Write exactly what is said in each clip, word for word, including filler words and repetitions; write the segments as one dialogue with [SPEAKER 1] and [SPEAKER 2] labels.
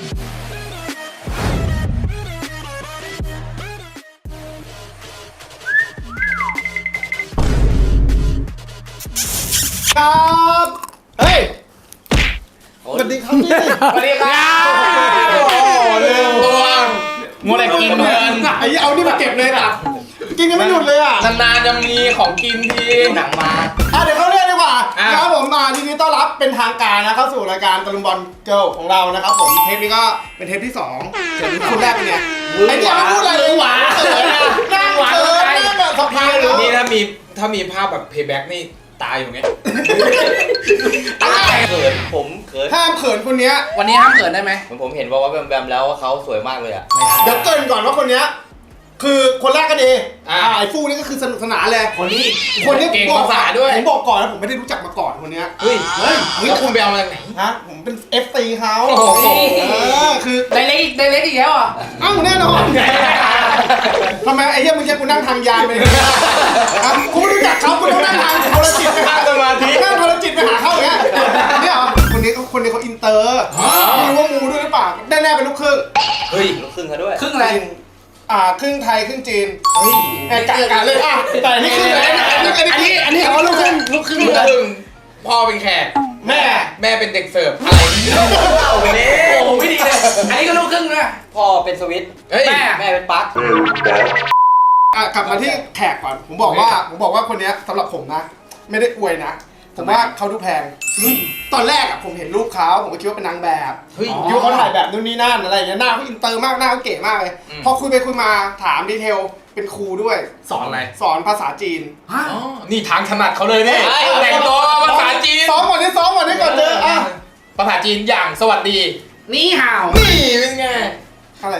[SPEAKER 1] ครับเฮ้ยสวัสดีครับพี่สวัสดีครับโอ้เร็วตัวมัวแต่กินเพลินไอ้เอานี่มาเก็บเลยนะกินกันไม่หยุดเลยอ่ะ
[SPEAKER 2] นานๆจะมีของกินทีหนังมา
[SPEAKER 1] อ่ะเดี๋ยวเข้าเรื่องดีกว่านะครับผมมาทีนี้ต้อนรับเป็นทางการนะเข้าสู่รายการตะลุมบอลเกิร์ลของเรานะครับผมเทปนี้ก็เป็นเทปที่สองเทปคุณแรกเป็นไงไอ้เจ้าพูดอะไรเลยหวานเขินนะนั่งเขินนั่งแบบสะพายเลย
[SPEAKER 2] นี่ถ้ามีถ้ามีภาพแบบเพย์แบ็กนี่ตายอยู่ไงตายเขินผมเขิน
[SPEAKER 1] ห้ามเขินคนนี้
[SPEAKER 3] วันนี้ห้ามเขินได้ไหม
[SPEAKER 2] ผมผมเห็นว่าว่าแบมๆแล้วเขาสวยมากเลยอ่ะ
[SPEAKER 1] เดี๋ยวเกินก่อนว่าคนนี้คือคนแรกก็ดีอ่าไอ้ฟูนี่ก็คือสนุกสนานเลย
[SPEAKER 2] คนนี้
[SPEAKER 1] คนนี้
[SPEAKER 2] เก่งภาษาด้วย
[SPEAKER 1] ผมบอกก่อนนะผมไม่ได้รู้จักมาก่อนคนนี้
[SPEAKER 2] เฮ้ยเฮ้ยแล้วคุณไปเอามาจากไหน
[SPEAKER 1] ฮะผมเป็น เอฟ ซี เขาเออคือ
[SPEAKER 3] ไดเล็กอีกไดเล็กอีกแล้วอ่ะ
[SPEAKER 1] เอ้าแน่นอนทำไมไอ้เหี้ยมึงแค่กูนั่งทางยานไปเลยครับกูไม่รู้จักเขากูต้องนั่งทางโทรจิตไปหาสมาธินั่งโทรจิตไปหาเขาอย่างเงี้ยนี่เหรอคนนี้คนนี้เขาอินเตอร์ไม่รู้ว่ามูด้วยหรือเปล่าแน่ๆเป็นลูกครึ่ง
[SPEAKER 2] เฮ้ยลูกครึ่งเขาด้วย
[SPEAKER 3] ครึ่งอะไร
[SPEAKER 1] อ่าครึ่งไทยครึ่งจีนเฮ้ยแอบกะเลยอ่ะแต่นี่ครึ่งอะไรอันนี้อันนี้เขาลูกครึ่งลูกครึ่ง
[SPEAKER 2] ลูกครึ่งพ่อเป็นแขก
[SPEAKER 1] แม่
[SPEAKER 2] แม่เป็นเด็กเสิร์ฟอะไรโอ้โห
[SPEAKER 3] โอ้โหไม่ดีเลยอันนี้ก็ลูกครึ่งนะ
[SPEAKER 2] พ่อเป็นสวิตแม่แม่เป็นปลั๊ก
[SPEAKER 1] อ่ะกลับมาที่แขกก่อนผมบอกว่าผมบอกว่าคนนี้สำหรับผมนะไม่ได้อวยนะผมว่าเขาดูแพงตอนแรกอ่ะผมเห็นรูปเขาผมก็คิดว่าเป็นนางแบบยูเขาถ่ายแบบนู่นนี่นั่นอะไรอย่างเงี้ยหน้าเขาอินเตอร์มากหน้าเขาเก๋มากเลยพอคุยไปคุยมาถามดีเทลเป็นครูด้วย
[SPEAKER 2] สอนอะไร
[SPEAKER 1] สอนภาษาจีน
[SPEAKER 2] นี่ทางถนัดเขาเลยเนี่ยแต่งตัวภาษาจีน
[SPEAKER 1] ซ้อมก่อนนี่ซ้อมก่อนนี่ก่อนเจออ่ะ
[SPEAKER 2] ภาษาจีนอย่างสวัสดี
[SPEAKER 3] นี่ห่าว
[SPEAKER 1] นี่เป็นไงอะไร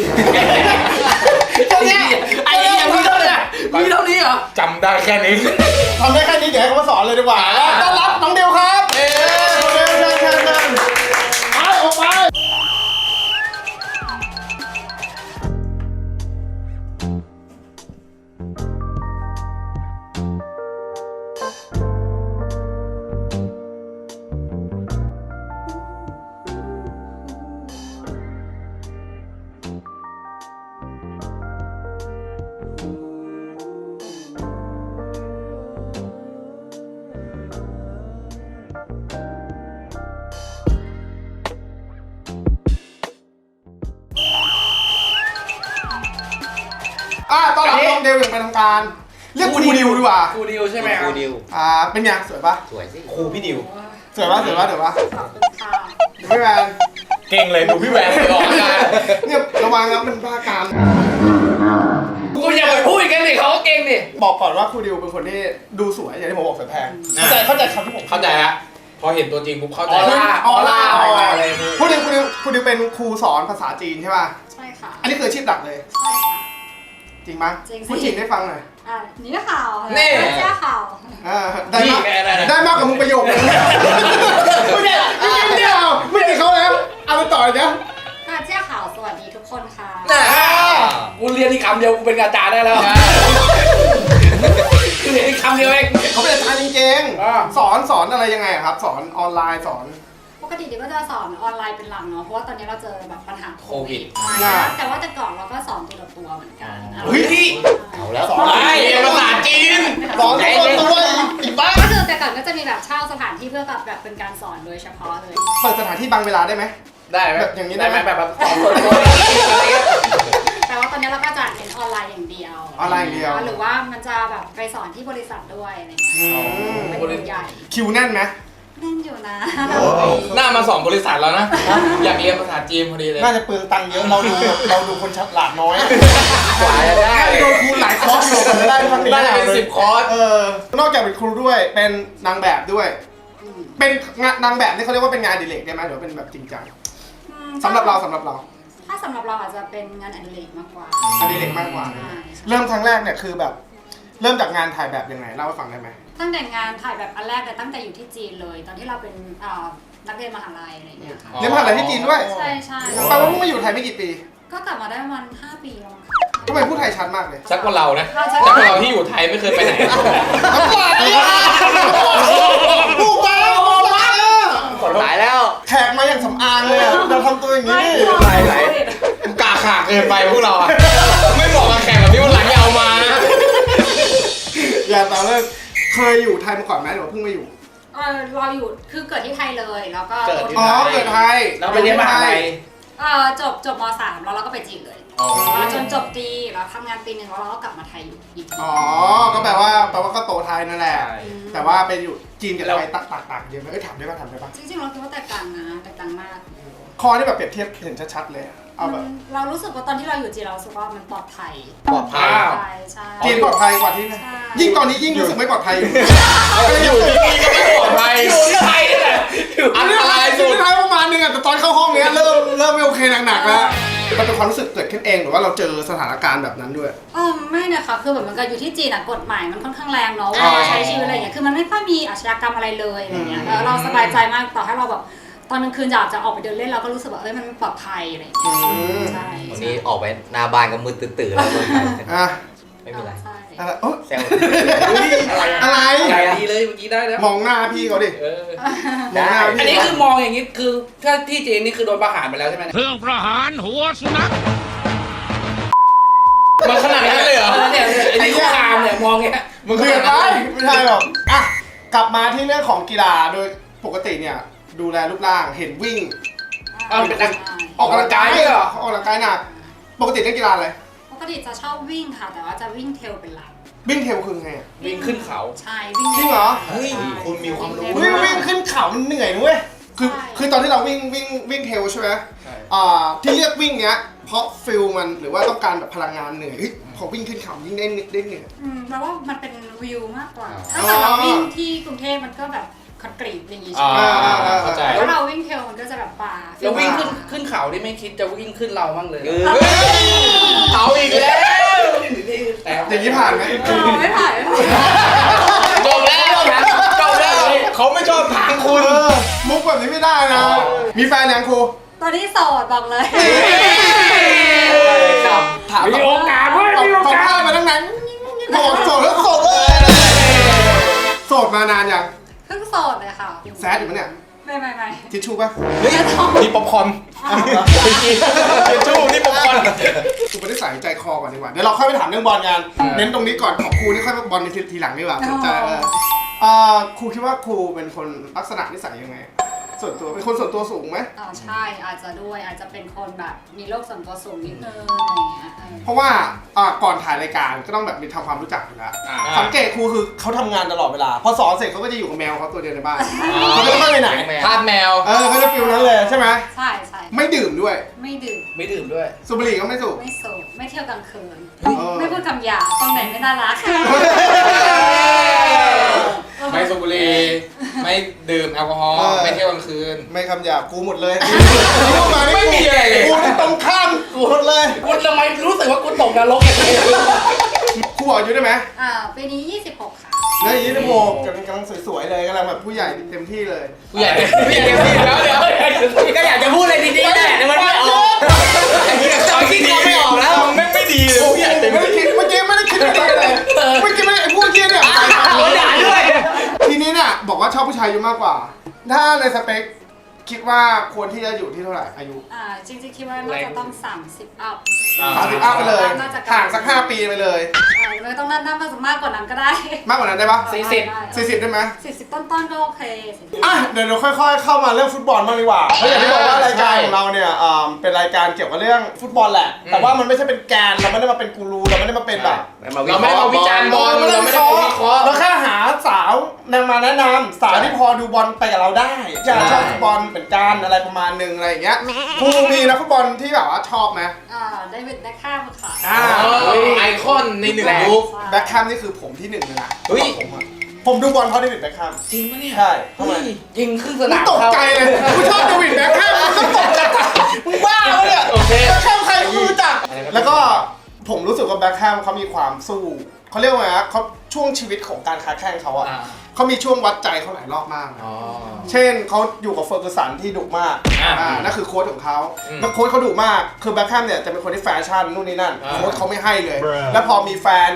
[SPEAKER 3] แค่นี้ไอ้ยังมีเท่านี้มีเท่านี้เหรอ
[SPEAKER 2] จำได้แค่นี้
[SPEAKER 1] ทำได้แค่นี้เดี๋ยวให้เขามาสอนเลยดีกว่าต้อนรับน้องเดียวครับเชิญเชิญเชิญเชิญไปออกไปอ่ะตอนรับน้องเดวอย่างเป็นทางการเรียกครูดิวดีกว่า
[SPEAKER 3] ครูดิวใช่ไหม
[SPEAKER 2] ครูดิว
[SPEAKER 1] อ่าเป็นไงสวยปะ
[SPEAKER 2] สวยสิครูพี่ดิว
[SPEAKER 1] สวยปะสวยปะสวยปะพี่แวน
[SPEAKER 2] เก่งเลยดูพี่แวนออกงาน
[SPEAKER 1] เนี่ยระวังนะมันบ้าการ
[SPEAKER 3] กูอย่าไปพูดกันดิเขาเก่งดิ
[SPEAKER 1] บอกก่อนว่าครูดิวเป็นคนที่ดูสวยอย่างที่ผมบอกสวยแพงเข้าใจเข้าใจคำที่ผม
[SPEAKER 2] เข้าใจฮะพอเห็นตัวจริงปุ๊บเข้าใจ
[SPEAKER 3] ออร่าออร่าอะไร
[SPEAKER 1] ครูดิวครูดิวครูดิวเป็นครูสอนภาษาจีนใช่ป่ะ
[SPEAKER 4] ใช่ค่ะ
[SPEAKER 1] อันนี้คืออาชีพหลักเลย
[SPEAKER 4] ใช่ค่ะ
[SPEAKER 1] จริงมั้ยพูดจริงได้ฟังหน่อย
[SPEAKER 4] อ่ะนี่ข่าว
[SPEAKER 2] นี่
[SPEAKER 4] เจ้าข่าว
[SPEAKER 1] อ่าได้มากได้มากกว่ามึงประโยคนึงไม่ได้ไม่ได้เอาไม่ได้เขาแล้วเอาไปต่อเลยนะ
[SPEAKER 4] ค่ะเจ้าข่าวสวัสดีทุกคนค่ะ
[SPEAKER 3] กูเรียนอีกคำเดียวกูเป็นอาจารย์ได้แล้วคือเรียนอีกคำเดียวเอง
[SPEAKER 1] เขาเป็นอาจารย์จริงๆสอนสอนอะไรยังไงครับสอนออนไลน์สอน
[SPEAKER 4] ปกติเดี๋ยวก็จะสอนออนไลน์เป็นหลักเนาะเพราะว่าตอนนี้เราเจอแบบปัญหาโควิดแต่ว่าแต่ก่อนเราก็สอนตัวต่อตัวเหมือนกัน
[SPEAKER 1] เฮ้ย
[SPEAKER 2] เอาแล้วสอนภาษาจีน
[SPEAKER 1] สอนตัวต่อตัวอีกบ้าง
[SPEAKER 4] ก็คือแต่ก่อนก็จะมีแบบเช่าสถานที่เพื่อแบบแบบเป็นการสอนโดยเฉพาะเลย
[SPEAKER 1] เปิดสถานที่บางเวลาได้ไหม
[SPEAKER 3] ได้ไหม
[SPEAKER 1] แบบอย่างนี้ได้ไหม
[SPEAKER 3] แบบแบบสอน
[SPEAKER 4] แต่ว่าตอนนี้เราก็จะเป็นออนไลน์อย่างเดียว
[SPEAKER 1] ออนไลน์อย่างเดียว
[SPEAKER 4] หรือว่ามันจะแบบไปสอนที่บริษัทด้วยอะไรอย่างเงี้ยเป็นบริษัทใหญ่
[SPEAKER 1] คิวแน่นไหม
[SPEAKER 4] แน่นอยู่นะ
[SPEAKER 2] หน้ามาสองบริษัทแล้วนะอยากเรียนภาษาจีนพอดีเลย
[SPEAKER 1] น่าจะเปลืองตังค์เยอะเราดูเราดูคนฉลาดน้อย
[SPEAKER 2] กว่าจะได้
[SPEAKER 1] โดนครูหลายคอร์สอยู่กันได้ทั้งนี้
[SPEAKER 2] ได้เป็นสิบคอร์ส
[SPEAKER 1] เออนอกจากเป็นครูด้วยเป็นนางแบบด้วยเป็นงานนางแบบนี่เขาเรียกว่าเป็นงานอดิเรกได้ไหมหรือเป็นแบบจริงจังสำหรับเราสำหรับเรา
[SPEAKER 4] ถ้าสำหรับเราอาจจะเป็นงานอดิเรกมากกว่า
[SPEAKER 1] อดิเรกมากกว่าเริ่มครั้งแรกเนี่ยคือแบบเริ่มจากงานถ่ายแบบยังไงเล่าให้ฟังได้ไหม
[SPEAKER 4] ตั้งแต่งานถ่ายแบบอันแรกแต่ตั้งแต่อยู่ที่จีนเลยตอนที่เราเป็นนักเรียนมหาลัยอะไรอย่างเงี้ยค่ะ
[SPEAKER 1] เรียนมหาลัยที่จีนด้วย
[SPEAKER 4] ใช่ใช่
[SPEAKER 1] แปลว่าเพิ่งมาอยู่ไทยไม่กี่ปี
[SPEAKER 4] ก็กลับมาได้ประมาณห้าปีแล้ว
[SPEAKER 1] ทำไมพูดไทยชัดมากเลย
[SPEAKER 2] ชัดกว่าเรานะชัดกว่าเราที่อยู่ไทยไม่เคยไปไหน
[SPEAKER 1] น้ำปลาเนี่ยผู้บ้าผู้บ้า
[SPEAKER 2] ขอ
[SPEAKER 3] ตายแล้ว
[SPEAKER 1] แขกมาอย่างสำอางเลยอะเราทำตัวอย่างนี้
[SPEAKER 2] ไหลไหลกาขาเกินไปพวกเราอะไม่เหมาะกับแขกแบบนี้วันหลังอย่าเอามานะ
[SPEAKER 1] อย่าตามเลยเคยอยู่ไทยมาก่อนไหมหรือว่าเพิ่งมาอยู่
[SPEAKER 4] เออเราอยู่คือเกิดที่ไทยเลยแล้วก็
[SPEAKER 3] เกิดที่
[SPEAKER 1] อ๋อเกิดไทย
[SPEAKER 3] แล้วไปเรียนมหาลัย
[SPEAKER 4] เออจบจบมสามแล้วเราก็ไปจีนเลย
[SPEAKER 3] อ๋อ
[SPEAKER 4] แล้วจนจบตีแล้วทำงานปีหนึ่งแล้วเราก็กลับมาไทยอยู่อีกที
[SPEAKER 1] อ๋อก็แปลว่าแปลว่าก็โตไทยนั่นแหละ
[SPEAKER 3] ใช่
[SPEAKER 1] แต่ว่าไปอยู่จีนกับไทยต่างต่างๆเยอะไหมเอ้ยถามได้ป่ะถามได้ป่ะ
[SPEAKER 4] จริงๆเราคิดว่าแตกต่างนะแตกต่างมาก
[SPEAKER 1] คอที่แบบเปรียบเทียบเห็นชัดๆเลยอะเอาแบบ
[SPEAKER 4] เรารู้สึกว่าตอนที่เราอยู่จีนเรารู้สึกว่ามันปลอดภัย
[SPEAKER 2] ปลอดภัย
[SPEAKER 4] ใช่ใช่
[SPEAKER 1] จีนปลอดภัยกว่าที่นี่
[SPEAKER 4] ใช่
[SPEAKER 1] ยิ่งตอนนี้ยิ่งรู้สึกไม่ปลอดภัยอยู่
[SPEAKER 2] อยู่ที่นี่ก็ไม่ปลอดภัย
[SPEAKER 3] อยู่ที่ไทยนี่แหละอยู่
[SPEAKER 1] อันนี้อะไรสุดท้ายประมาณนึงอะแต่ตอนเข้าห้องเนี้ยเริ่มเริ่มไม่โอเคหนักๆแล้วมันเป็นความรู้สึกเกิดขึ้นเองหรือว่าเราเจอสถานการณ์แบบนั้นด้วย
[SPEAKER 4] เออไม่นะคะคือแบบมันก็อยู่ที่จีนอะกฎหมายมันค่อนข้างแรงเนาะ
[SPEAKER 1] อ๋อ
[SPEAKER 4] ว่าใช้ชีวิตอะไรอย่างเงี้ยคือมันไม่ค่อยมีอาชญากรรมอะไรเลยอะไรเงี้ยเออเราสบายใจมากต่อให้เราแบบตอนกลางคืนอยากจะออกไปเดินเล่นเราก็รู้สึกว่าเอ้ยมันปลอดภัยอะไรอย่างเงี้ยใช่
[SPEAKER 3] วันนี้ออกไปหน้าบ้านก็มืดตื่นๆแล้ว
[SPEAKER 1] อ่ะ
[SPEAKER 3] ไม่มีอะไร
[SPEAKER 4] ใช่
[SPEAKER 1] อะไรเอ้ย
[SPEAKER 3] แซว
[SPEAKER 1] อะไร
[SPEAKER 3] อะไรดีเลยเมื่อกี้ได้แล้ว
[SPEAKER 1] มองหน้าพี่เขาดิ
[SPEAKER 3] เออ
[SPEAKER 1] มองหน้า
[SPEAKER 3] อัน
[SPEAKER 1] พี่
[SPEAKER 3] นี้คือมองอย่างนี้คือถ้าที่จีนนี่คือโดนประหารไปแล้วใช่ไหม
[SPEAKER 5] เครื่องประหารหัวสุนัข
[SPEAKER 2] มันขนาดนั้นเลยเหรอ
[SPEAKER 3] เนี่ยไอ้นี่คุกคามเนี่ยมองเงี้ย
[SPEAKER 1] มันเกินไปไม่ใช่หรอกอ่ะกลับมาที่เรื่องของกีฬาโดยปกติเนี่ยดูแลรูปร่างเห็นวิ่ง
[SPEAKER 3] เอาเป็นนัก
[SPEAKER 1] ออกกำลังกาย
[SPEAKER 3] ออกกำลังกายเหรอ
[SPEAKER 1] ออกกำลังกายหนักปกติเล่นกีฬาอะไร
[SPEAKER 4] ปกติจะชอบวิ่งค่ะ แต่ว่าจะวิ่งเทรลเป็นหลัก
[SPEAKER 1] วิ่งเทรลคือไงอะ
[SPEAKER 3] วิ่งขึ้นเขา
[SPEAKER 4] ใช่วิ่ง
[SPEAKER 1] จริงเหรอ
[SPEAKER 2] เฮ้ยคุณมีความรู้
[SPEAKER 1] เฮ้ยวิ่งขึ้นเขามันเหนื่อยนะเว้ยคือ
[SPEAKER 4] ใช่
[SPEAKER 1] คือตอนที่เราวิ่งวิ่งวิ่งเทรลใช่ไหม
[SPEAKER 3] ใช่
[SPEAKER 1] อ่าที่เลือกวิ่งเนี้ยเพราะฟิลมันหรือว่าต้องการแบบพลังงานเหนื่อยเฮ้ยพอวิ่งขึ้นเขายิ่งได้ได้เหนื่อย
[SPEAKER 4] อืมแปลว่ามันเป็นวิวมากกว่า
[SPEAKER 1] อ๋อ
[SPEAKER 4] ถ้าเกิดเราวิ่งที่กรุงเทพมันก็แบบคอนกรีตอย่างงี้ใช่
[SPEAKER 2] อ่า
[SPEAKER 4] ไหม
[SPEAKER 2] เข้าใจ
[SPEAKER 4] แล้วเราวิ่งเทรลมันก็จะแบบป่า
[SPEAKER 3] แล้ววิ่งขึ้นขึ้นเขาที่ไม่คิดจะวิ่งขึ้นเราบ้างเลย
[SPEAKER 2] เฮ้ยเอาอีกแล้ว
[SPEAKER 3] แต่
[SPEAKER 1] อย่างนี้ผ่านไหม
[SPEAKER 4] เออไม่ผ่านไม่ผ่าน
[SPEAKER 2] จบแล้วจบแล้วเขาไม่ชอบทางคุณ
[SPEAKER 1] เออมุกแบบนี้ไม่ได้นะ มีแฟนยังครู
[SPEAKER 4] ตอนนี้โสดบอกเลย
[SPEAKER 3] ครับ
[SPEAKER 1] ถาม
[SPEAKER 3] มีโอกาสเว้ย
[SPEAKER 1] ตอบ
[SPEAKER 3] มีโอ
[SPEAKER 1] ตอบ
[SPEAKER 3] กา
[SPEAKER 1] ผ้า
[SPEAKER 3] ส
[SPEAKER 1] มาตั้งนานบอกโสดแล้วโสดเลยโสดมานานยัง
[SPEAKER 4] เพิ่งโสดเลยค่ะ
[SPEAKER 1] แซดอยู่ปะเนี่ย
[SPEAKER 4] ไม่ไม่ไม่
[SPEAKER 1] ทิชชู่ป่ะ
[SPEAKER 2] เฮ้ยนี่ป๊อปคอร์นทิชชู่นี่ป๊อปคอร์น
[SPEAKER 1] กูไปได้ใส่ใจคอก่อนดีกว่า เดี๋ยวเราค่อยไปถามเรื่องบอลกัน เน้นตรงนี้ก่อนของครูนี่ค่อยไปบอลในทีหลังดีกว่าสนใจเออเอ่อครูคิดว่าครูเป็นคนลักษณะนิสัยยังไง ส่วนตัวเป็นคนส่วนตัวสูงไหม
[SPEAKER 4] อ๋อใช่อาจจะด้วยอาจจะเป็นคนแบบมีโรคส่วนตัวสูงนิดนึงอะไรอย่างเงี้ยเออ
[SPEAKER 1] เพราะว่าอ่าก่อนถ่ายรายการก็ต้องแบบมีทำความรู้จักอยู่แล้ว
[SPEAKER 3] อ่า
[SPEAKER 1] สังเกตครูคือเขาทำงานตลอดเวลา พอสอนเสร็จเขาก็จะอยู่กับแมวเขาตัวเดียวในบ้าน เขาจะไม่ค่อยไปไหน
[SPEAKER 2] ทาสแมว
[SPEAKER 1] เออเขาจะฟิลนั้นเลยใช่ไหม
[SPEAKER 4] ใช่ใช่
[SPEAKER 1] ไม่ดื่มด้วย
[SPEAKER 4] ไม่ดื่ม
[SPEAKER 3] ไม่ดื่มด้วย
[SPEAKER 1] สูบบุหรี่ก็ไม่สูบ
[SPEAKER 4] ไม่สูบไม่เที่ยวกลางคืน
[SPEAKER 1] เออ
[SPEAKER 4] ไม่พูดคำหยาบตรงไหนไม่น่ารัก
[SPEAKER 2] ไม่สูบบุหรี่ไม่ดื่มแอลกอฮอล์
[SPEAKER 1] เออ
[SPEAKER 2] ไม่เที่ยวกลางคืน
[SPEAKER 1] ไม่คำหยาบกูหมดเลยพูดมานี่
[SPEAKER 2] ไม่มีอะไรเลย
[SPEAKER 1] กูนี่ตรงข้ามกูหมดเลย
[SPEAKER 3] กูทำไมรู้สึกว่ากูตกนรกอย่างนี้
[SPEAKER 1] ครูบอกอายุได้ไหม
[SPEAKER 4] อ่าปีนี้ยี่สิบหกค่ะ
[SPEAKER 1] เนี่ยยี่สิบหกกำลังกำลังสวยๆเลยกำลังแบบผู้ใหญ่เต็มที่เลย
[SPEAKER 2] ผู้ใหญ่ผู้ใหญ่เต็มที่แล้วเดี๋ยว
[SPEAKER 3] ก็อยากจะพูดอะไรดีๆแหละแต่มันไม่ออกตอนที่เราไม่ออกแล้ว
[SPEAKER 2] ไม่ไม่ดีเลยผู้ใหญ่เต็ม
[SPEAKER 1] ไม่ได้
[SPEAKER 2] ที่
[SPEAKER 1] คิดเมื่อกี้ไม่ได้คิดอะไรเลยเมื่อกี้ไม่ได้ไอ้พวกเกี้ยเนี่ย
[SPEAKER 3] โดนด่าด้วย
[SPEAKER 1] ทีนี้เนี่ยบอกว่าชอบผู้ชายอายุมากกว่า ถ้าในสเปคคิดว่าควรที่จะอยู่ที่เท่าไหร่อายุ
[SPEAKER 4] อ่าจริงๆคิดว่าน่าจะต้องสามสิบอัพ
[SPEAKER 1] สามสิบอัพไปเลย
[SPEAKER 4] น่าจะ
[SPEAKER 1] ห่างสักห้าปีไปเลย
[SPEAKER 4] อ่าไม่ต้องน่าน่ามากกว่านั้นก็ได้
[SPEAKER 1] มากกว่านั้นได้ปะ
[SPEAKER 3] สี่สิบ
[SPEAKER 1] สี่สิบได้ไหม
[SPEAKER 4] สี่สิบต้นๆก็โอเค
[SPEAKER 1] อ่ะเดี๋ยวเราค่อยๆ เข้ามาเรื่องฟุตบอลบ้างดีกว่าเพราะอย่างที่บอกว่ารายการของเราเนี่ยอ่าเป็นรายการเกี่ยวกับเรื่องฟุตบอลแหละ แต่ว่ามันไม่ใช่เป็นแกนเราไม่ได้มาเป็นกูรูเราไม่ได้มาเป็นแบบ
[SPEAKER 2] เราไม่ได้มาวิจารณ์บอลเราไม่ได้มาวิเคราะห์
[SPEAKER 1] เราแค่หาสาวนำมาแนะนำสาวที่พอดูบอลไปกับเราได้จะชอบฟุตบอลเหมือนกันอะไรประมาณหนึงอะไรอย่างเงี้ยครูมีนักฟุตบอลที่แบบว่าชอบไหม
[SPEAKER 4] อ่าได้วิดได้ข้ามค่ะ
[SPEAKER 1] อ่า
[SPEAKER 2] ไอคอนในหนึ่งยุค
[SPEAKER 1] แบ็คแคมนี่คือผมที่หนึ่งเลยนะ
[SPEAKER 2] เฮ้ย
[SPEAKER 1] ผมอะผมดูบอลเพราะเดวิดแบ็คแคม
[SPEAKER 3] จริงปะเนี่ย
[SPEAKER 1] ใช่ทำไม
[SPEAKER 3] ยิงครึ่งส
[SPEAKER 1] มึ
[SPEAKER 3] นาง ม
[SPEAKER 1] ตกใจเลยกูชอบเดวิดแบ็คแคมมึงต้องตกใจมึงบ้าปะเนี่ย
[SPEAKER 2] โอเค
[SPEAKER 1] แบ็คแคมใครก็รู้จักแล้วก็ผมรู้สึกว่าแบ็คแคมเขามีความสู้เขาเรียกว่าไงฮะเขาช่วงชีวิตของการค้าแข่งเขาอะ
[SPEAKER 3] อ่า
[SPEAKER 1] เขามีช่วงวัดใจเขาหลายรอบมากนะ
[SPEAKER 2] อ๋อ
[SPEAKER 1] เช่นเขาอยู่กับเฟอร์กูสันที่ดุมาก
[SPEAKER 2] อ่า
[SPEAKER 1] อ่านั่นคือโค้ชของเขา
[SPEAKER 2] อืม
[SPEAKER 1] แล้วโค้ชเขาดุมากคือแบ็คแคมเนี่ยจะเป็นคนที่แฟชั่นนู่นนี่นั่น
[SPEAKER 2] อ่า
[SPEAKER 1] โค้ชเขาไม่ให้เลย แล้วพอมีแฟนอีก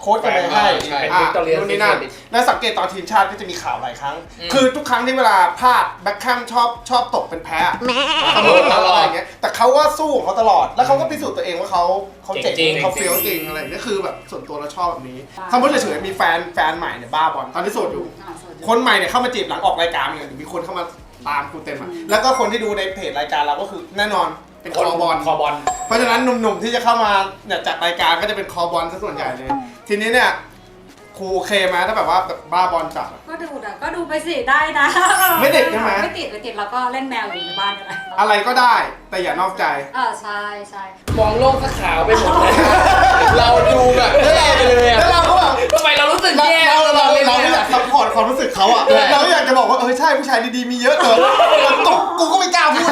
[SPEAKER 1] โค้ชกันไปให้
[SPEAKER 2] ใช่
[SPEAKER 1] อ่ะ
[SPEAKER 3] เป็น Victoria's
[SPEAKER 1] นู่นนี่นั่น
[SPEAKER 3] Secret
[SPEAKER 1] แล้วสังเกตตอนทีมชาติก็จะมีข่าวหลายครั้ง
[SPEAKER 2] อืม
[SPEAKER 1] คือทุกครั้งที่เวลาพลาดแบ็คแคมชอบชอบตกเป็นแพ้เสมอตลอดอะไรอย่างเงี้ยแต่เขาว่าสู้ของเขาตลอดแล้วเขาก็พิสูจน์ตัวเองว่าเขาเขาเจ๋ง
[SPEAKER 2] จริงๆ
[SPEAKER 1] เขาเฟี้ยวจริงอะไรอย่างเงี้ยคือแบบส่วนตัวเราชอบแบบนี้สมมติเฉยๆมีแฟนแฟนใหม่เนี่ยบ้าบอลตอนที่โสดอยู่
[SPEAKER 4] อ่าสวัสดี
[SPEAKER 1] คนใหม่เนี่ยเข้ามาจีบหลังออกรายการเนี่ยมีคนเข้ามาตามกูเต็มอ่ะแล้วก็คนที่ดูในเพจรายการเราก็คือแน่นอนเป็นคอบอล
[SPEAKER 3] คอบอล
[SPEAKER 1] เพราะฉะนั้นหนุ่มๆที่จะเข้ามาเนี่ยจากรายการก็จะเป็นคอบอลซะส่วนใหญ่เลย ทีนี้เนี่ยครูโอเคไหมถ้าแบบว่าแบบบ้าบอลจัดอะ
[SPEAKER 4] ก็ดูนะก็ดูไปสิได้นะ
[SPEAKER 1] ไม่ติดใช่ไหม
[SPEAKER 4] ไม่ติดไม่ติดแล้วก็เล่นแมวอยู่ในบ้านกันเลย
[SPEAKER 1] อะไรก็ได้แต่อย่านอกใจ
[SPEAKER 4] เออใช่ใช่
[SPEAKER 3] มองโลกก็ขาวไปหมดเลย เราดูแบบแย่ไปเลยอะ
[SPEAKER 1] แล้วเราก็แบบ
[SPEAKER 3] ทำไมเรารู้สึก
[SPEAKER 1] เรา
[SPEAKER 3] แย่
[SPEAKER 1] เราเรา
[SPEAKER 3] เล่น
[SPEAKER 1] เราไม่อยากซัพพอร์ตความรู้สึกเขาอ่ะเราอยากจะบอกว่าเออใช่ผู้ชายดีๆมีเยอะเกินกูกูก็ไม่กล้าพูด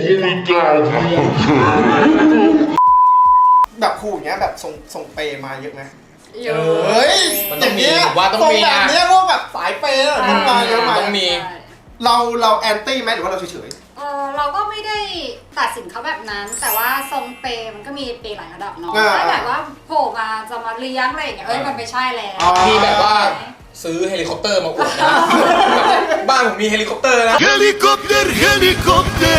[SPEAKER 1] แบบครูอย่างเงี้ยแบบส่งส่งเปย์มาเยอะไหม
[SPEAKER 4] เยอะ
[SPEAKER 1] เฮ้ย
[SPEAKER 2] มันต้องมี
[SPEAKER 1] ย่าเย
[SPEAKER 2] ผมว่าต้องมี
[SPEAKER 1] ส่
[SPEAKER 2] นะ
[SPEAKER 1] แบบเนี้ยพวกแบบสายเปย์อะมันมาเยอะไหม
[SPEAKER 2] ต้องมี
[SPEAKER 4] ใช่
[SPEAKER 1] เราเราแอนตี้ไหมหรือว่าเราเฉย
[SPEAKER 4] เออเราก็ไม่ได้ตัดสินเขาแบบนั้น แต่ว่าทรงเปย์มันก็มีเปย์หลายระดับเนาะถ้าแบบว่าโผล่มาจะมาเลี้ยงอะไรอย่างเงี้ยเอ้ยมันไม่ใช่แล้ว
[SPEAKER 2] มีแบบว่าซื้อเฮลิคอปเตอร์มาอวดนะบ้านผมมีเฮลิคอปเตอร์นะ
[SPEAKER 5] Helikopter, helikopter.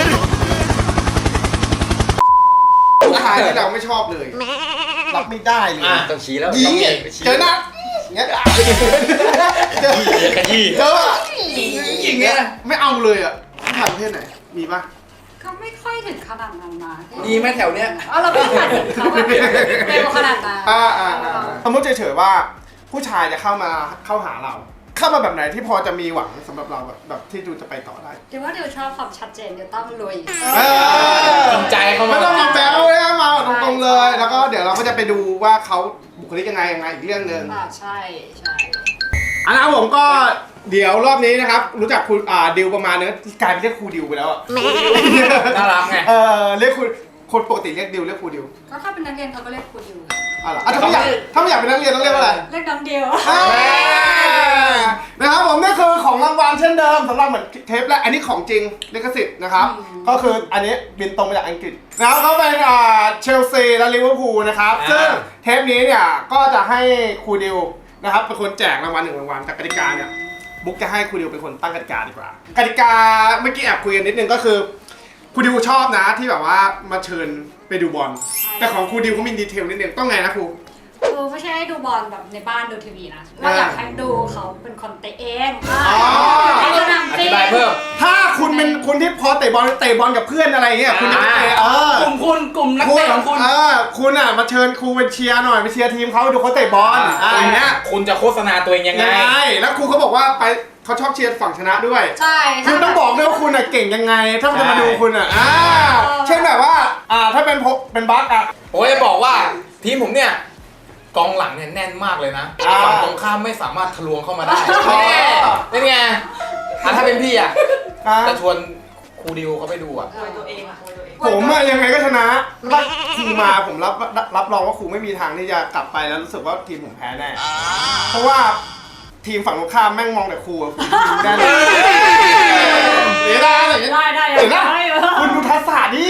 [SPEAKER 1] ๆผู้ชายที่เราไม่ชอบเลย รับไม่ได้เลย
[SPEAKER 2] อ่ะ
[SPEAKER 3] ต้องชี้แล้ว
[SPEAKER 1] ยิง
[SPEAKER 3] ต้อง
[SPEAKER 1] เนี่ย
[SPEAKER 3] ชี้
[SPEAKER 1] เจอหน้าอย่างเงี้ยเจอ
[SPEAKER 3] ขยี้
[SPEAKER 1] เจออะ
[SPEAKER 3] อย่างเงี้ย
[SPEAKER 1] ไม่เอาเลยอ่ะผู้ชายประเภทไหนมีปะ
[SPEAKER 4] ก็ไม่ค่อยถึงขนาดนั้นนะ
[SPEAKER 3] มีไหมแถวเนี้ย
[SPEAKER 4] เออเราไม่ฝันถึงเขาแบบเร็วขนาดนั้น
[SPEAKER 1] อ่าอ่าอ่าสมมติเฉยๆว่าผู้ชายจะเข้ามาเข้าหาเรา เข้ามาแบบไหนที่พอจะมีหวังสำหรับเราแบบแบบที่ดูจะไปต่อได้
[SPEAKER 4] เดี๋ยวว่าเดี๋ยวชอบความชัดเจนเดี๋ยวต้องลุย
[SPEAKER 1] เออ
[SPEAKER 2] จริงใจเข้ามา
[SPEAKER 1] ไม่ต้องมีแบลเลยนะมาตรงๆเลย แล้วก็เดี๋ยวเราก็จะไปดูว่าเขาบุคลิกยังไงยังไงอีกเรื่องหนึ่ง
[SPEAKER 4] อ่าใช่ใช่
[SPEAKER 1] อันนั้นผมก็เดี๋ยวรอบนี้นะครับ รู้จักคุณอ่าดิวประมาณนึงกลายเป็นเรียกครูดิวไปแล้วอะ
[SPEAKER 2] น่ารักไง
[SPEAKER 1] เออเรียกคุณคนปกติเรียกดิวเรียกครูดิว
[SPEAKER 4] ก็ถ้าเป็นนักเรียนเขาก็เรียกครูดิว
[SPEAKER 1] อ่ะเหรออ่ะถ้าไม่อยากถ้าไม่อยากเป็นนักเรียนต้องเรียกว่าอะไร
[SPEAKER 4] เรียกน้องเดียว
[SPEAKER 1] อ่านะครับผมนี่คือของรางวัลเช่นเดิมสำหรับเหมือนเทปแรกอันนี้ของจริงลิขสิทธิ์นะครับ ก็คืออันนี้บินตรงมาจากอังกฤษแล้วก็เป็นอ่าเชลซีและลิเวอร์พูลนะครับ
[SPEAKER 2] อ่า
[SPEAKER 1] ซึ่งเทปนี้เนี่ยก็จะให้ครูดิวนะครับเป็นคนแจกรางวัลหนึ่งรางวัลแต่กติกาเนี่ยบุ๊กจะให้ครูดิวเป็นคนตั้งกติกาดีกว่ากติกาเมื่อกี้แอบคุยกันนิดนึงก็คือครูดิวชอบนะที่แบบว่ามาเชิญไปดูบอลแต่ของครูดิวเขามีดีเทลนิดนึงต้องไงนะครู
[SPEAKER 4] คือไม่ใช่ให้ดูบอลแบบในบ้านดูทีวีนะเราอยากให้ดูเขาเป็นคนเตะเอง
[SPEAKER 1] อ๋อ
[SPEAKER 4] ให้ดูหนัง
[SPEAKER 2] อ
[SPEAKER 4] จริ
[SPEAKER 2] ธิ
[SPEAKER 4] ง
[SPEAKER 2] บายเพิ่ม
[SPEAKER 1] ถ้าคุณเป็นคนที่พอเตะบอลเตะบอลกับเพื่อนอะไรเงี้ยคุณจะไปเตะเออก
[SPEAKER 3] ลุ่มคุณกลุ่มนักเตะของคุณ
[SPEAKER 1] เออคุณอ่ะมาเชิญครูไปเชียร์หน่อยไปเชียร์ทีมเขาดูเขาเตะบอลอะไรเงี้ย
[SPEAKER 2] คุณจะโฆษณาตัวเองยังไง
[SPEAKER 1] ยังไงแล้วครูเขาบอกว่าไปเขาชอบเชียร์ฝั่งชนะด้วย
[SPEAKER 4] ใช่
[SPEAKER 1] คุณต้องบอกด้วยว่าคุณอ่ะเก่งยังไง ถ้ามันจะมา
[SPEAKER 2] ใช่
[SPEAKER 1] ดูคุณอ่ะอ่าเช่นแบบว่าอ่าถ้าเป็นพกเป็นบัคอ่ะ
[SPEAKER 2] ผมจะบอกว่าทีมผมเนี่ยกองหลังเนี่ยแน่นมากเลยนะ
[SPEAKER 1] อ่า
[SPEAKER 2] ฝั่งตรงข้ามไม่สามารถทะลวงเข้ามาได้
[SPEAKER 1] อ๋อ
[SPEAKER 2] แน่เป็นไงอ่ะถ้าเป็นพี่อ่ะ
[SPEAKER 1] อ่า
[SPEAKER 2] จะชวนครูดิวเขาไปดูอ่ะ
[SPEAKER 1] ผมอะยังไงก็ชนะถ้าครูมาผมรับรับรองว่าครูไม่มีทางที่จะกลับไปแล้วรู้สึกว่าทีมผมแพ้แน่เพราะว่าทีมฝั่งตรงข้ามแม่งมองแต่ครูอะผมยิงได้เลยเสียดายอะไรอย่างเงี้ย
[SPEAKER 4] ได้ได้
[SPEAKER 1] เห็นปะ
[SPEAKER 4] ได้
[SPEAKER 1] คุณดูทักษะดิ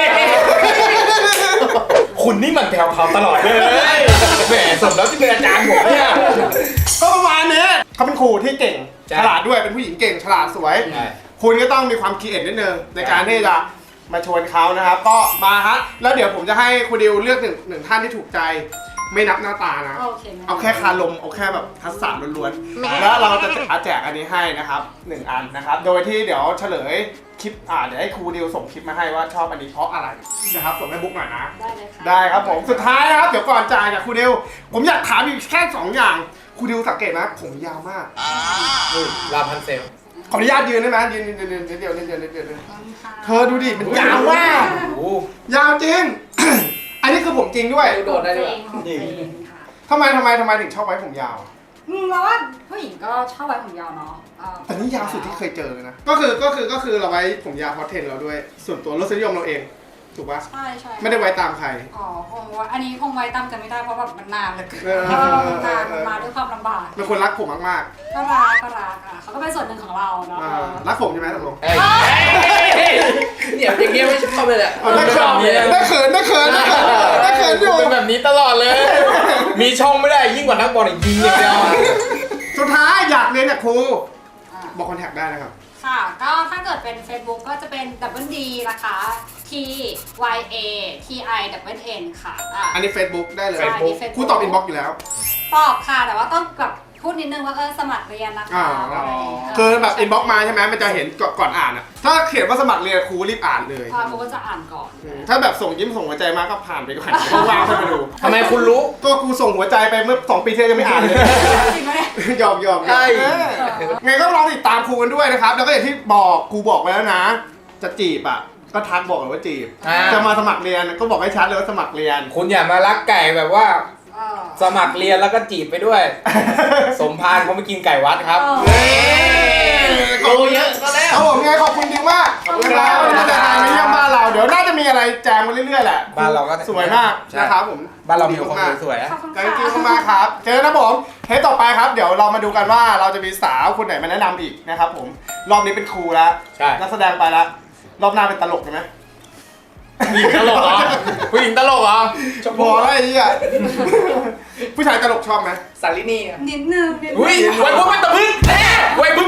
[SPEAKER 2] คุณนี่มันแผ่วเผาตลอดเลยแหมสมแล้วที่เป็นอาจารย์ผมเนี่ย
[SPEAKER 1] ก็ประมาณนี้เขาเป็นครูที่เก่ง
[SPEAKER 2] ใช่
[SPEAKER 1] ฉลาดด้วยเป็นผู้หญิงเก่งฉลาดสวย
[SPEAKER 2] ใช่
[SPEAKER 1] คุณก็ต้องมีความคิดเอ็ดนิดนึงในการที่จะมาชวนเขานะครับ ก็มาฮะแล้วเดี๋ยวผมจะให้ครูดิวเลือกหนึ่งหนึ่งท่านที่ถูกใจไม่นับหน้าตานะ
[SPEAKER 4] โอเค
[SPEAKER 1] เอาแค่คารมเอาแค่แบบทักษะล้วนๆแล้วเราจะแจกอันนี้ให้นะครับหนึ่งอันนะครับ โดยที่เดี๋ยวเฉลยคลิปอ่าเดี๋ยวให้ครูดิวส่งคลิปมาให้ว่าชอบอันนี้เพราะอะไรนะครับส่งให้บุ๊กหน่อยนะ
[SPEAKER 4] ได้เลยค่ะ
[SPEAKER 1] ได้ครับผมสุดท้ายนะครับเดี๋ยวก่อนจ่ายจากครูดิวผมอยากถามอีกแค่สองอย่างครูดิวสังเกตนะผมยาวมาก
[SPEAKER 2] ลาพันเซล
[SPEAKER 1] ขออนุญาตยืนได้ไหมยืนยืนยืนยืนเดียวยืนเดียวยืนเดียวยืน
[SPEAKER 4] ขอบคุณค่ะ
[SPEAKER 1] เธอดูดิมันยาวมาก
[SPEAKER 2] โอ้
[SPEAKER 1] ยาวจริง อันนี้คือผมจริงด้วย
[SPEAKER 3] โดดได้ด้วย
[SPEAKER 4] ของตัวเองค่ะ
[SPEAKER 1] ทำไมทำไมทำไมถึงชอบไว้ผมยาว
[SPEAKER 4] อืมเราว่าผู้หญิงก็ชอบไว้ผมยาวเนาะเอ่อ
[SPEAKER 1] แต่นี่ยาวสุดที่เคยเจอเลยนะก็คือก็คือก็คือเราไว้ผมยาวเพราะเทรนด์เราด้วย ส่วนตัวรสนิยมเราเองถูกปะ
[SPEAKER 4] ใช่ใช่
[SPEAKER 1] ไม่ได้ไว้ตามใคร
[SPEAKER 4] อ๋อคงว่าอันนี้คงไว้ตามกันไม่ได้เพราะแบบมันนานเหลย
[SPEAKER 1] เออ
[SPEAKER 4] เออมันนานมันมาด้วยความลำบาก
[SPEAKER 1] เป็นคนรักผมมาก
[SPEAKER 4] ก็รักก็รักอ่ะเขาก็เป็นส่วนหนึ่งของเรา
[SPEAKER 1] ๆ
[SPEAKER 4] เนาะ
[SPEAKER 1] อ่ารักผมใช่ไหมตกลง
[SPEAKER 2] เอ้ย
[SPEAKER 3] เนี่ยอย่างเงี้ยไม่ชอบเลยแหละ
[SPEAKER 1] เอาได้เขินได้เขินได้เขินได้เขินได้เขินอยู่
[SPEAKER 2] เป็นแบบนี้ตลอดเลย มีช่องไม่ได้ยิ่งกว่านักบอลอีกยิงอย่างเดียว
[SPEAKER 1] สุดท้ายอยากเรียนกับครู
[SPEAKER 4] อ่า
[SPEAKER 1] บอกคอนแทคได้นะครับ
[SPEAKER 4] ค่ะก็ถ้าเกิดเป็น Facebook ก็จะเป็น double D นะคะ T Y A T I double N ค่ะอ่ะ
[SPEAKER 1] อันนี้ Facebook ได้เลย
[SPEAKER 4] ใช่นี่ Facebook
[SPEAKER 1] ครูตอบอินบ็อกซ์อยู่แล้ว
[SPEAKER 4] ตอบค่ะแต่ว่าต้องแบบพูดนิดนึงว่าเออสมัครเรียนนะคะ
[SPEAKER 1] อ่า
[SPEAKER 4] อะไรอย่างเงี้ย
[SPEAKER 1] คือแบบอินบ็อกซ์มาใช่ไหมมันจะเห็นก่อนก่อนอ่านอะถ้าเขียนว่าสมัครเรียนครูรีบอ่านเลย
[SPEAKER 4] พอกูก็จะอ่านก่อน
[SPEAKER 1] ถ้าแบบส่งยิ้มส่งหัวใจมาก็ผ่านไปก่อนว่างๆค่อยมาดู
[SPEAKER 2] ทำไมคุณรู้
[SPEAKER 1] ก็ครูส่งหัวใจไปเมื่อสองปีที่แล้วยังไม่อ่านเลย
[SPEAKER 4] จริงไหมเนี่ย
[SPEAKER 1] ยอมยอม
[SPEAKER 2] ใช่
[SPEAKER 1] ไงก็ลองติดตามครูกันด้วยนะครับ แล้วก็อย่างที่บอกครูบอกไว้แล้วนะ จะจีบอ่ะก็ทักบอกเลยว่าจีบ
[SPEAKER 2] อ่า
[SPEAKER 1] จะมาสมัครเรียนก็บอกให้ชัดเลยว่าสมัครเรียน
[SPEAKER 2] คุณอย่ามารักไก่แบบว่า
[SPEAKER 4] เออ
[SPEAKER 2] สมัครเรียนแล้วก็จีบไปด้วย สมพานเขาไม่กินไก่วัดครับ
[SPEAKER 4] เออ
[SPEAKER 1] ขอบคุณเยอะก็แล้วเอาผมไงขอบคุณจริงมากขอบคุณครับที่เดินทางมาเยี่ยมบ้านเราเดี๋ยวน่าจะมีอะไรแจมกันเรื่อยๆแหละ
[SPEAKER 2] บ้านเราก็
[SPEAKER 1] สวยมาก
[SPEAKER 2] ใช่
[SPEAKER 1] นะครับผม
[SPEAKER 2] บ้านเรามีคนสวยๆอะ
[SPEAKER 4] ขอบคุณ
[SPEAKER 1] ขอบ
[SPEAKER 4] ค่ะ
[SPEAKER 1] คุณมากครับ เจอนะผมเทปต่อไปครับ เดี๋ยวเรามาดูกันว่าเราจะมีสาวคนไหนมาแนะนำอีกนะครับผม รอบนี้เป็นครูแล้ว
[SPEAKER 2] ใช่
[SPEAKER 1] นักแสดงไปแล้ว รอบหน้าเป็นตลกใช่ไหม
[SPEAKER 2] ผู้หญิงตลกเหรอผู้หญิงตลกเหรอ
[SPEAKER 1] พอแล้วไอ้เหี้ยผู้ชายตลกชอบไหม
[SPEAKER 2] สาลินีอะ
[SPEAKER 4] นิดนึงนิดนึง
[SPEAKER 2] อุ้ยไว้พวกเป็นตะพึ่งแน่ไว้พวก